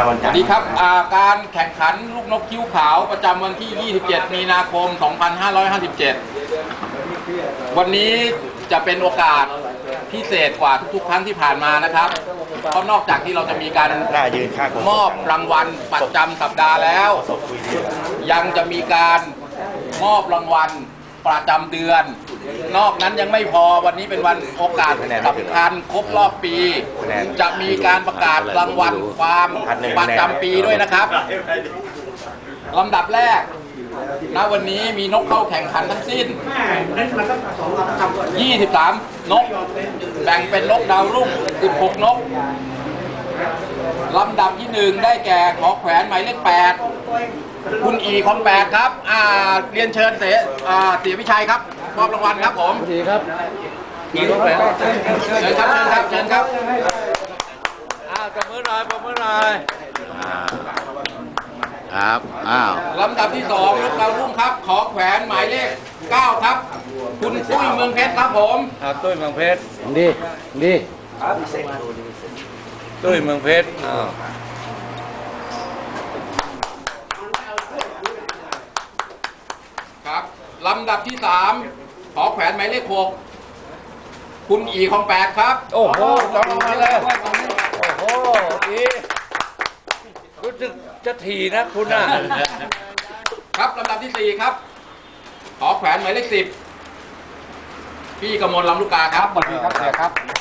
สวัสดีครับการแข่งขันลูกนกคิ้วขาวประจำวันที่ 27 มีนาคม 2557 วันนี้จะเป็นโอกาสพิเศษกว่าทุกๆ ครั้งที่ผ่านมานะครับเพราะนอกจากที่เราจะมีการมอบรางวัลประจำสัปดาห์แล้ว ยังจะมีการมอบรางวัลประจำเดือนนอกนั้นยังไม่พอวันนี้เป็นวันโอกาสสำคัญครบรอบปี จะมีการประกาศรางวัลฟาร์มประจำปีด้วยนะครับลำดับแรกณวันนี้มีนกเข้าแข่งขันทั้งสิ้น 23 นกแบ่งเป็นนกดาวรุ่ง 16 นกลำดับที่ 1 ได้แก่ขอแขวนหมายเลข 8 คุณอีคอมแปดครับเรียนเชิญเสียวิชัยครับมอบรางวัลครับผมดีครับอีคอมแปดเชิญครับเชิญครับปรบมือหน่อยปรบมือหน่อยครับลำดับที่ 2 นกดาวรุ่งครับขอแขวนหมายเลข 9 ครับคุณตุ้ยเมืองเพชรครับผมตุ้ยเมืองเพชรดีตุ้ยเมืองเพชรครับลำดับที่ 3 ขอแขวนหมายเลข 6 คุณอีคอมแปดครับโอ้โหจองลงมาเลยโอ้โหดีรู้สึกจะถี่นะคุณน่ะครับลำดับที่ 4 ครับขอแขวนหมายเลข 10 พี่กมลลำลูกกาครับสวัสดีครับเสียครับ